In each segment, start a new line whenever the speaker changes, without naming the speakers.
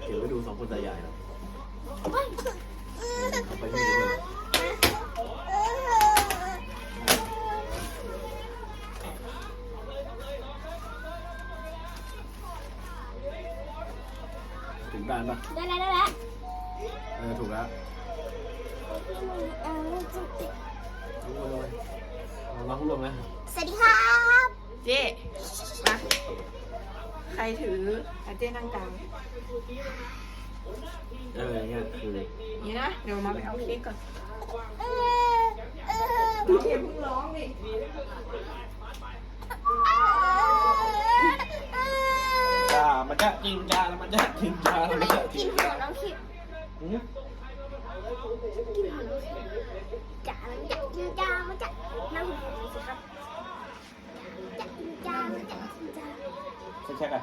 เก็บไว้ดูสองคนตายายนะเอาไปที่นี่เลยถึงบ้านปะ
ได้แล้ว
ถูกแล้วน้องรวมนะ
สวัสดีครับ
เจ๊มาใครถือเจ๊นั่งกลาง
อย่างเงี้ยคือ
นี่นะเดี๋ยวมาไปเอาเค้กก่อนน้องเอ็มเพิ่งร้องดิ
จ้ามันจะกินจ้าแล้วมันจะกินจ้าแล้วมันจะกิ
กิ
น
นหัวน้องคิด
อืม
กินหัวน้องคิดจ๋ามันจะกินจ้ามันจะนั่งหัวสิครับจะกินจ้ามันจะกินจ้า
เช็คอ่ะ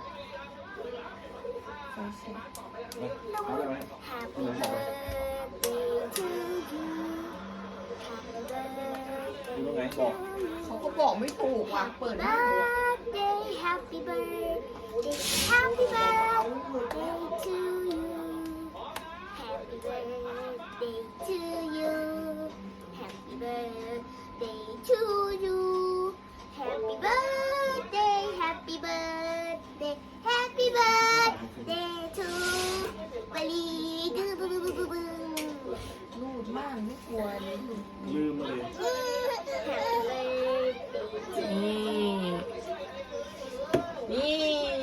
น้อง
เอาไปไหม
Happy birthday to you Happy birthday
ดูตรงไหนบอก
เขาก็บอกไม่ถูกว่ะเปิดหน้าดูอ่ะ
birthday Happy birthday Happy birthday to you Happy birthday to you Happy birthday to you Happy birthday Happy birthday Happy birthday to บลีดื้อบึ้บึ้บึ้บึ้
รูดมากไม่กลัวเลย
ลืมเลย
Happy birthday to
นี่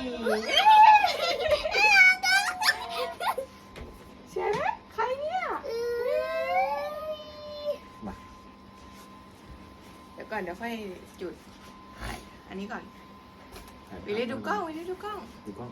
เชียร์นะใครเนี่ย
มา
เดี๋ยวก่อนเดี๋ยวค่อยจุดอันนี้ก่อนวิลลี่ดูกล้องวิลลี่ดูกล้อง
ดูกล้อง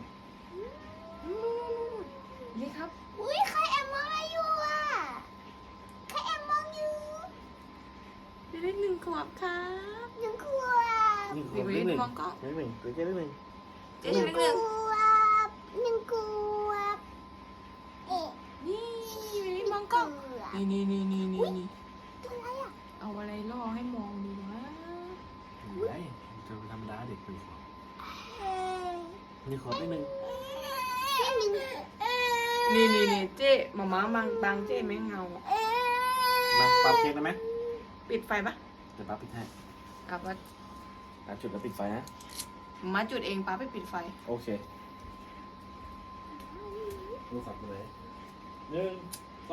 นี่ครับ
อุ้ยใครแอบมองอะไรอยู่อ่ะใครแอบมองอยู่
วิลลี่1 ขวบครับ
หนึ่งขวบ
นี่คนนิดหนึ่งนิดหนึ่งตัวเจ๊นิดหนึ่ง
เจ๊อยู่นิดนึง
หนึ่งขวบเอ๊ะ
นี่วิลลี่มองกล้องนี่นี่
ตัวอะไรอ่ะ
เอาอะไรล่อให้มองดีวะ
ไอ้จะธรรมดาเด็กเป็นขวบ
เอ๊ะ
นี่ขอนิดหนึ่ง
หนึ่ง
นี่เจ๊หมาบางเจ๊ไม่เงา
มาปาเค้กได้ไหม
ปิดไฟปะ
เดี๋ยวป้าปิดให้
กับว่า
จุดแล้วปิดไฟนะ
มาจุดเองป้าไปปิดไฟ
โอเคดูฝักเลย1 2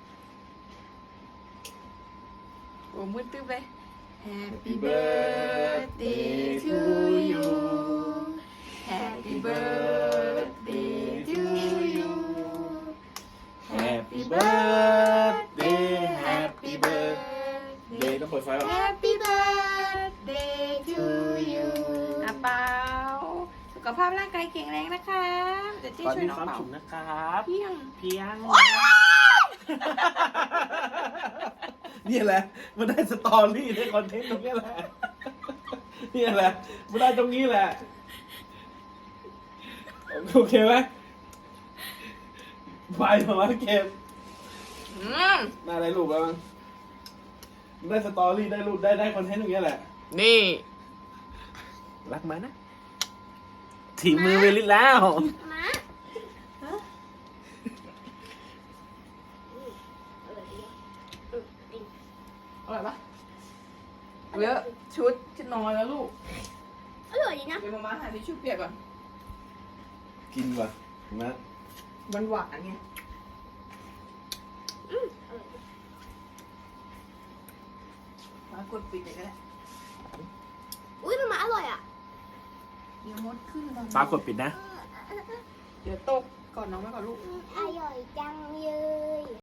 โอ้มืดตึ๊บเลย Happy birthday to you Happy birthday to you
Happy birthday Happy birthday ต้องเปิดไฟป่ะ
Happy birthday to you อ่ะเปาสุขภาพร่างกายแข็งแรงนะคะเดี๋ยวเจ๊
ตอน
ช่วย
นี้
น้อง
ความ
เป่า
สุขนะครับ
เพียง
เพียงนี่แหละมันได้สตอรี่ได้คอนเทนต์ตรงนี้แหละนี่แหละมันได้ตรงนี้แหละโอเคไหมไปมาเกมได้อะไรรูปแล้วมั้งได้สตอรี่ได้รูปได้คอนเทนต์ตรงนี้แหละ
นี่
รักไหมนะถีมือเวลิสแล้ว
มา
อร่อยปะเยอะชุดนอนแล้วลูก
อร่อยดีนะ
เดี๋ยวมาหาทิชชู่เปียกก่อน
กินว่ะนะ
มันหวานไงมากดปิดเลยก็ได้
อุ้ยมันมาอร่อยอ่ะ
เดี๋ยวมดขึ้นมา
ฟ้ากดปิดนะ
เดี๋ยวตกก่อนน้องไว้ก่อนลูก
อร่อยจังเลย